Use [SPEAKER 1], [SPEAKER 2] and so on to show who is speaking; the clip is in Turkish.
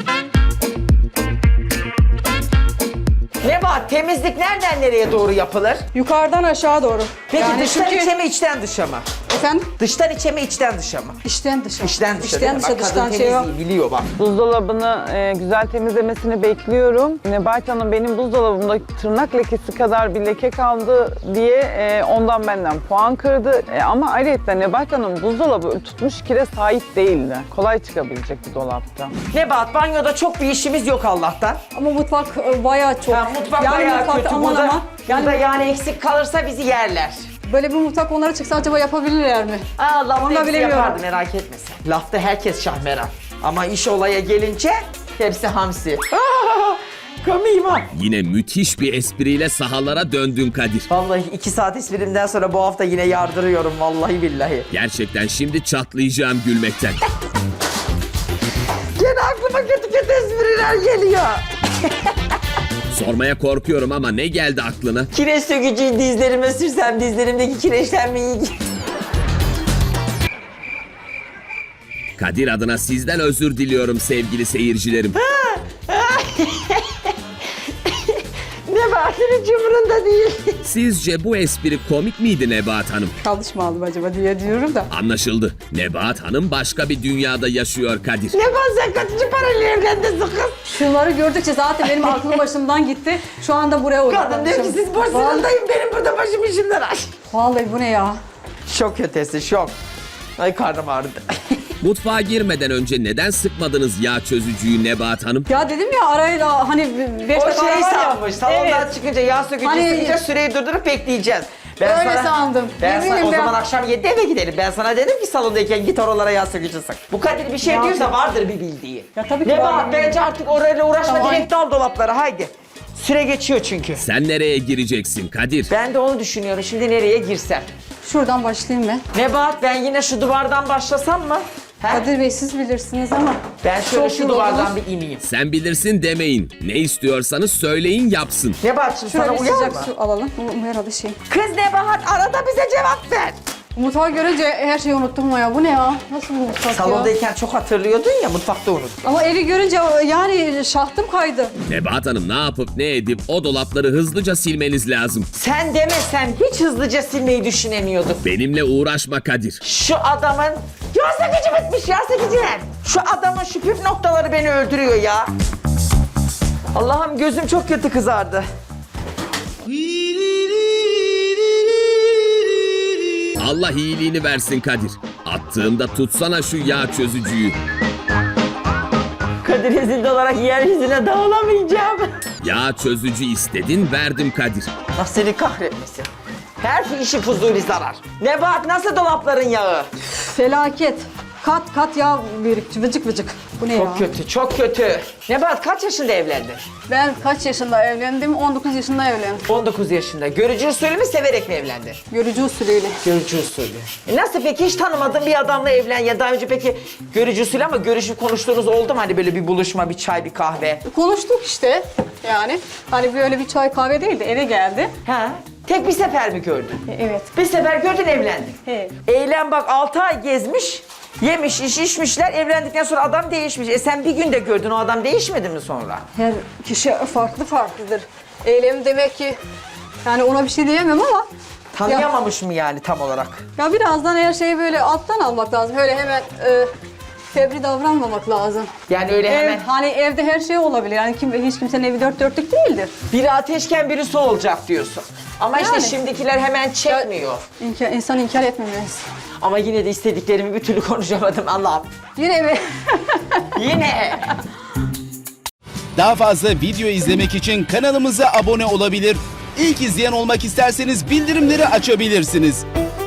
[SPEAKER 1] Nebahat, temizlik nereden nereye doğru yapılır?
[SPEAKER 2] Yukarıdan aşağı doğru.
[SPEAKER 1] Peki
[SPEAKER 2] Yani
[SPEAKER 1] dıştan
[SPEAKER 2] çünkü-
[SPEAKER 1] içe mi içten dışa mı?
[SPEAKER 2] Efendim?
[SPEAKER 1] Dıştan içe mi içten dışa mı?
[SPEAKER 2] İçten dışa.
[SPEAKER 1] İçten dışa değil
[SPEAKER 2] İçten
[SPEAKER 1] mi?
[SPEAKER 2] dışa,
[SPEAKER 1] Bak, kadın
[SPEAKER 2] dıştan şey yok.
[SPEAKER 1] temizliği biliyor bak.
[SPEAKER 3] Buzdolabını güzel temizlemesini bekliyorum. Nebahat Hanım benim buzdolabımda tırnak lekesi kadar bir leke kaldı diye ondan benden puan kırdı. Ama ayrıca Nebahat Hanım buzdolabı tutmuş kire sahip değildi. Kolay çıkabilecek bir dolapta.
[SPEAKER 1] Nebahat, banyoda çok bir işimiz yok Allah'tan.
[SPEAKER 2] Ama mutfak bayağı çok.
[SPEAKER 1] Mutfak
[SPEAKER 2] Yani
[SPEAKER 1] bayağı
[SPEAKER 2] mutfakta
[SPEAKER 1] kötü.
[SPEAKER 2] aman
[SPEAKER 1] Burada,
[SPEAKER 2] aman.
[SPEAKER 1] burada yani eksik kalırsa bizi yerler.
[SPEAKER 2] Böyle bir mutfak onlara çıksa acaba yapabilirler mi?
[SPEAKER 1] Lafta
[SPEAKER 2] Onu da
[SPEAKER 1] hepsi
[SPEAKER 2] bilemiyorum.
[SPEAKER 1] yapardı, merak etme sen. Lafta herkes şahmeran. Ama iş olaya gelince hepsi hamsi. Komiyim ha.
[SPEAKER 4] Yine müthiş bir espriyle sahalara döndün Kadir.
[SPEAKER 1] Vallahi 2 saat esprimden sonra bu hafta yine yardırıyorum vallahi billahi.
[SPEAKER 4] Gerçekten şimdi çatlayacağım gülmekten.
[SPEAKER 1] Gene aklıma kötü kötü espriler geliyor.
[SPEAKER 4] Sormaya korkuyorum ama ne geldi aklına?
[SPEAKER 1] Kireç sökücüyü dizlerime sürsem dizlerimdeki kireçlenmeyi...
[SPEAKER 4] Kadir adına sizden özür diliyorum sevgili seyircilerim.
[SPEAKER 1] Nebahat'ın hiç umurunda değil.
[SPEAKER 4] Sizce bu espri komik miydi Nebahat Hanım?
[SPEAKER 2] Yanlış mı aldım acaba diye diyorum da.
[SPEAKER 4] Anlaşıldı. Nebahat Hanım başka bir dünyada yaşıyor Kadir.
[SPEAKER 1] Nebahat, sen kaçıncı parayla evlendin kız?
[SPEAKER 2] Şunları gördükçe zaten benim aklım başımdan gitti. Şu anda buraya
[SPEAKER 1] Kadın diyor ki
[SPEAKER 2] odaklanmışım.
[SPEAKER 1] siz boşluğundayım, benim burada başım işimden aç.
[SPEAKER 2] Vallahi bu ne ya?
[SPEAKER 1] Şok ötesi şok. Ay karnım ağrıdı.
[SPEAKER 4] Mutfağa girmeden önce neden sıkmadınız yağ çözücüyü Nebahat Hanım?
[SPEAKER 2] Ya dedim ya arayla hani 5
[SPEAKER 1] O
[SPEAKER 2] dakika ara
[SPEAKER 1] şeyi
[SPEAKER 2] var ya.
[SPEAKER 1] sanmış. Salondan
[SPEAKER 2] Evet.
[SPEAKER 1] çıkınca yağ sökücü
[SPEAKER 2] Hani-
[SPEAKER 1] sıkınca süreyi durdurup bekleyeceğiz.
[SPEAKER 2] Öyle sandım.
[SPEAKER 1] Ben sana,
[SPEAKER 2] Eminim
[SPEAKER 1] o
[SPEAKER 2] ben.
[SPEAKER 1] zaman akşam 7'de eve gidelim. Ben sana dedim ki salondayken git oralara yağ sökücü sık. Bu Kadir bir şey
[SPEAKER 2] Ya
[SPEAKER 1] diyorsa
[SPEAKER 2] tabii.
[SPEAKER 1] vardır bir bildiği.
[SPEAKER 2] Ya tabii ki
[SPEAKER 1] Nebahat,
[SPEAKER 2] var.
[SPEAKER 1] bence artık orayla uğraşma,
[SPEAKER 2] Tamam.
[SPEAKER 1] direkt dal dolaplara haydi. Süre geçiyor çünkü.
[SPEAKER 4] Sen nereye gireceksin Kadir?
[SPEAKER 1] Ben de onu düşünüyorum. Şimdi nereye girsem?
[SPEAKER 2] Şuradan başlayayım ben.
[SPEAKER 1] Nebahat, ben yine şu duvardan başlasam mı? He?
[SPEAKER 2] Kadir Bey siz bilirsiniz ama.
[SPEAKER 1] Ben şöyle
[SPEAKER 2] Çok
[SPEAKER 1] şu
[SPEAKER 2] yoruldunuz.
[SPEAKER 1] duvardan bir ineyim.
[SPEAKER 4] Sen bilirsin demeyin. Ne istiyorsanız söyleyin yapsın.
[SPEAKER 1] Nebahat, şimdi
[SPEAKER 2] Şöyle
[SPEAKER 1] sana
[SPEAKER 2] bir
[SPEAKER 1] uyar
[SPEAKER 2] sıcak
[SPEAKER 1] mı?
[SPEAKER 2] su alalım. Bu herhalde şey.
[SPEAKER 1] Kız Nebahat, arada bize cevap ver.
[SPEAKER 2] Mutfağı görünce her şeyi unuttum ama ya. Bu ne ya? Nasıl bir mutfak ya?
[SPEAKER 1] Salondayken çok hatırlıyordun ya, mutfakta unut.
[SPEAKER 2] Ama evi görünce yani şahtım kaydı.
[SPEAKER 4] Nebahat Hanım ne yapıp ne edip o dolapları hızlıca silmeniz lazım.
[SPEAKER 1] Sen demesen hiç hızlıca silmeyi düşünemiyorduk.
[SPEAKER 4] Benimle uğraşma Kadir.
[SPEAKER 1] Şu adamın... Yağ sökücü bitmiş, yağ sökücüler. Şu adamın şu püf noktaları beni öldürüyor ya. Allah'ım, gözüm çok kötü kızardı.
[SPEAKER 4] Allah iyiliğini versin Kadir. Attığımda tutsana şu yağ çözücüyü.
[SPEAKER 1] Kadir ezildi olarak yeryüzüne dağılamayacağım.
[SPEAKER 4] Yağ çözücü istedin verdim Kadir.
[SPEAKER 1] Allah seni kahretmesin. Her işi fuzuli zarar. Nebahat, nasıl dolapların yağı?
[SPEAKER 2] Felaket. Kat kat yağ birikti. Vıcık vıcık. Bu ne ya?
[SPEAKER 1] Çok kötü, çok kötü. Nebahat, kaç yaşında evlendin?
[SPEAKER 2] Ben kaç yaşında evlendim? 19 yaşında evlendim.
[SPEAKER 1] 19 yaşında. Görücü usulü mü, severek mi evlendin?
[SPEAKER 2] Görücü usulüyle.
[SPEAKER 1] Görücü usulü. Nasıl peki, hiç tanımadığın bir adamla evlen ya daha önce peki görücü usulü ama görüşüp konuştuğunuz oldu mu? Hani böyle bir buluşma, bir çay, bir kahve.
[SPEAKER 2] Konuştuk işte yani. Hani böyle bir çay kahve değil de eve geldi.
[SPEAKER 1] Ha? Tek bir sefer mi gördün?
[SPEAKER 2] Evet.
[SPEAKER 1] Bir sefer gördün, evlendin.
[SPEAKER 2] Evet.
[SPEAKER 1] Eylem bak 6 ay gezmiş, yemiş, içmişler, evlendikten sonra adam değişmiş. Sen bir günde gördün, o adam değişmedi mi sonra?
[SPEAKER 2] Her kişi farklı farklıdır. Eylem demek ki yani ona bir şey diyemem ama
[SPEAKER 1] Tanıyamamış mı yani tam olarak?
[SPEAKER 2] ya birazdan her şeyi böyle alttan almak lazım. Öyle hemen fevri davranmamak lazım.
[SPEAKER 1] Yani öyle hemen
[SPEAKER 2] Hani evde her şey olabilir. Yani hiç kimsenin evi dört dörtlük değildir.
[SPEAKER 1] biri ateşken biri su olacak diyorsun. Ama işte
[SPEAKER 2] Yani.
[SPEAKER 1] şimdikiler hemen çekmiyor.
[SPEAKER 2] İnsan inkar etmemeliyiz.
[SPEAKER 1] Ama yine de istediklerimi bir türlü konuşamadım Allah'ım.
[SPEAKER 2] Yine mi?
[SPEAKER 1] Yine.
[SPEAKER 5] Daha fazla video izlemek için kanalımıza abone olabilir. İlk izleyen olmak isterseniz bildirimleri açabilirsiniz.